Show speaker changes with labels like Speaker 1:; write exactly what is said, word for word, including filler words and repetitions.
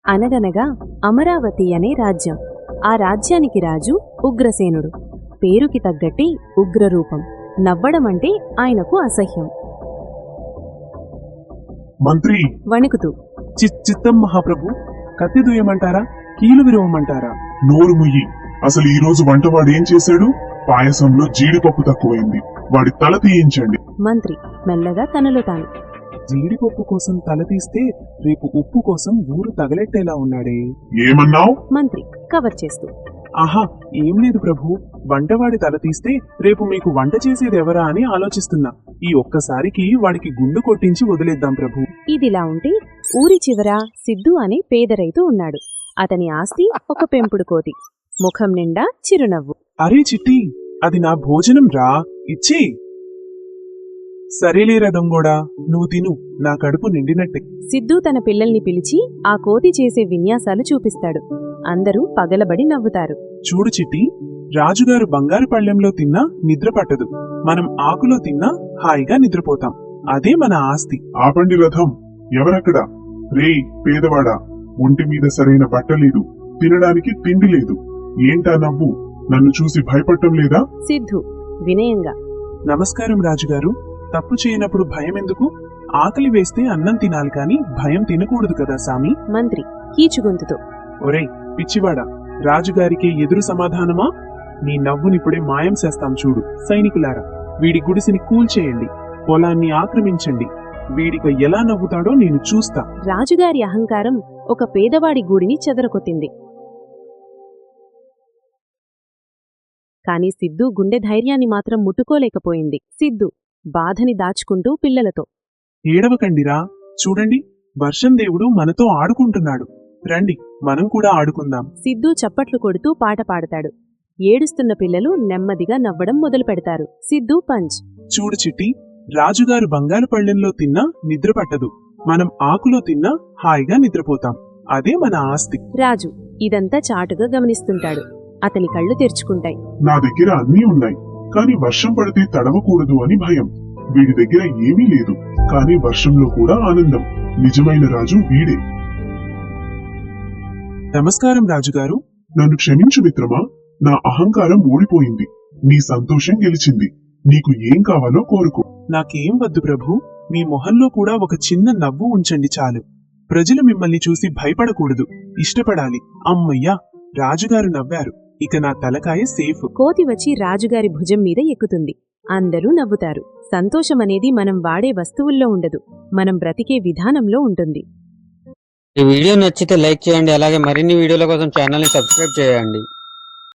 Speaker 1: అనగనగా అమరావతి అనే రాజ్యం. ఆ రాజ్యానికి రాజు ఉగ్రసేనుడు. పేరుకి తగ్గట్టి ఉగ్రరూపం. నవ్వడమంటే ఆయనకు అసహ్యం.
Speaker 2: మంత్రి
Speaker 1: వణుకుతూ,
Speaker 3: చిత్తం మహాప్రభు, కత్తి దుయ్యమంటారా, కీలు విరవమంటారా?
Speaker 2: నోరు ముయ్యి. అసలు ఈ రోజు వంటవాడేం చేశాడు? పాయసంలో జీడిపప్పు తక్కువైంది, వాడి తల తీయించండి.
Speaker 1: మంత్రి మెల్లగా తనలో తాను.
Speaker 3: జీడిపప్పు కోసం తల తీస్తే రేపు ఉప్పు కోసం ఊరు తగలెట్టేలా ఉన్నాడే.
Speaker 2: ఏమన్నావ్?
Speaker 1: మంత్రి కవర్ చేస్తూ.
Speaker 3: ఆహా, ఏం లేదు ప్రభు, వంటవాడి తల తీస్తే రేపు మీకు వంట చేసేది ఎవరా అని ఆలోచిస్తున్నా. ఈ ఒక్కసారికి వాడికి గుండు కొట్టించి వదిలేద్దాం ప్రభు.
Speaker 1: ఇదిలా ఉంటే ఊరి చివర సిద్ధు అనే పేద రైతు ఉన్నాడు. అతని ఆస్తి ఒక పెంపుడు కోతి. ముఖం నిండా చిరునవ్వు.
Speaker 3: అరే చిట్టి, అది నా భోజనం రా, ఇచ్చి. సరేలేరా దొంగోడా, నువ్వు తిను, నా కడుపు నిండినట్టే.
Speaker 1: సిద్ధు తన పిల్లల్ని పిలిచి ఆ కోతి చేసే విన్యాసాలు చూపిస్తాడు. అందరూ పగలబడి నవ్వుతారు.
Speaker 3: చూడు చిట్టి, రాజుగారు బంగారు పళ్ళెంలో తిన్నా నిద్ర పట్టదు, మనం ఆకులో తిన్నా హాయిగా నిద్రపోతాం. అదే మన ఆస్తి.
Speaker 2: ఆపండి రథం. ఎవరక్కడ? రేయ్ పేదవాడా, ఒంటి మీద సరైన బట్టలేదు, తినడానికి తిండి లేదు. ఏంటా నవ్వు? నన్ను చూసి భయపడటం లేదా?
Speaker 1: సిద్ధు వినయంగా.
Speaker 3: నమస్కారం రాజుగారు, తప్పు చేయనప్పుడు భయం ఎందుకు? ఆకలి వేస్తే అన్నం తినాలి కాని భయం తినకూడదు కదా సామి.
Speaker 1: మంత్రి కీచుగొంతుతో.
Speaker 3: ఒరేయ్ పిచ్చివాడా, రాజుగారికి ఎదురు సమాధానమా? నీ నవ్వునిప్పుడే మాయం చేస్తాం చూడు. సైనికులారా, వీడి గుడిసిని కూల్చేయండి, పొలాన్ని ఆక్రమించండి. వీడిక ఎలా నవ్వుతాడో నేను చూస్తా.
Speaker 1: రాజుగారి అహంకారం ఒక పేదవాడి గూడిని చెదరకొట్టింది. కాని సిద్ధు గుండె ధైర్యాన్ని మాత్రం ముట్టుకోలేకపోయింది. సిద్ధు బాధని దాచుకుంటూ పిల్లలతో,
Speaker 3: ఏడవకండిరా, చూడండి, వర్షం దేవుడు మనతో ఆడుకుంటున్నాడు. రండి, మనం కూడా ఆడుకుందాం.
Speaker 1: సిద్ధు చప్పట్లు కొడుతూ పాట పాడతాడు. ఏడుస్తున్న పిల్లలు నెమ్మదిగా నవ్వడం మొదలు పెడతారు. సిద్ధు పంచ్.
Speaker 3: చూడు చిట్టి, రాజుగారు బంగారు పళ్ళెంలో తిన్నా నిద్ర పట్టదు, మనం ఆకులో తిన్నా హాయిగా నిద్రపోతాం. అదే మన ఆస్తి.
Speaker 1: రాజు ఇదంతా చాటుగా గమనిస్తుంటాడు. అతని కళ్ళు తెరుచుకుంటాయి.
Speaker 2: నా దగ్గర అన్నీ ఉన్నాయి, కాని వర్షం పడితే తడవకూడదు అని భయం. వీడి దగ్గర ఏమీ లేదు, కాని వర్షంలో కూడా ఆనందం. నిజమైన రాజు వీడే.
Speaker 3: నమస్కారం రాజుగారు.
Speaker 2: నన్ను క్షమించు మిత్రమా, నా అహంకారం ఓడిపోయింది, నీ సంతోషం గెలిచింది. నీకు ఏం కావాలో కోరుకో.
Speaker 3: నాకేం వద్దు ప్రభు, మీ మొహంలో కూడా ఒక చిన్న నవ్వు ఉంచండి చాలు. ప్రజలు మిమ్మల్ని చూసి భయపడకూడదు, ఇష్టపడాలి. అమ్మయ్యా, రాజుగారు నవ్వారు, ఇక నా తలకాయ సేఫ్.
Speaker 1: కోతి వచ్చి రాజుగారి భుజం మీద ఎక్కుతుంది. అందరూ నవ్వుతారు. సంతోషమనేది మనం వాడే వస్తువుల్లో ఉండదు, మనం బ్రతికే విధానంలో ఉంటుంది.
Speaker 4: ఈ వీడియో నచ్చితే లైక్ చేయండి, అలాగే మరిన్ని వీడియోల కోసం ఛానల్ని సబ్స్క్రైబ్ చేయండి.